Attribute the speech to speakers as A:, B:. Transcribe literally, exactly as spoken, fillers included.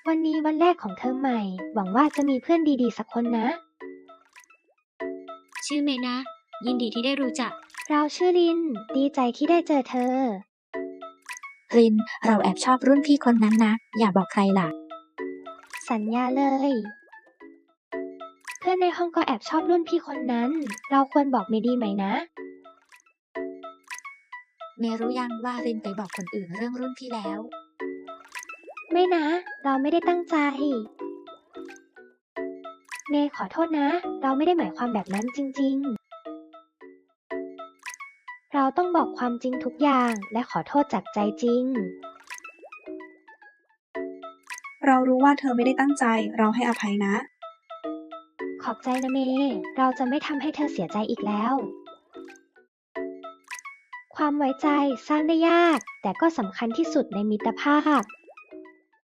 A: วันนี้วันแรกของเทอมใหม่ หวังว่าจะมีเพื่อนดีๆสักคนนะ
B: ชื่อเมนะ ยินดีที่ได้รู้จัก
A: เราชื่อลิน ดีใจที่ได้เจอเธอ
C: ริน เราแอบชอบรุ่นพี่คนนั้นนะ อย่าบอกใครล่ะ
A: สัญญาเลย เพื่อนในห้องก็แอบชอบรุ่นพี่คนนั้น เราควรบอกเมดีไหมนะ
C: เมรู้ยังว่ารินไปบอกคนอื่นเรื่องรุ่นพี่แล้ว
A: ไม่นะ เราไม่ได้ตั้งใจ เมย์ขอโทษนะ เราไม่ได้หมายความแบบนั้นจริงๆ เราต้องบอกความจริงทุกอย่างและขอโทษจากใจจริง
D: เรารู้ว่าเธอไม่ได้ตั้งใจ เราให้อภัยนะ
A: ขอบใจนะเมย์เราจะไม่ทำให้เธอเสียใจอีกแล้ว ความไว้ใจสร้างได้ยาก แต่ก็สำคัญที่สุดในมิตรภาพ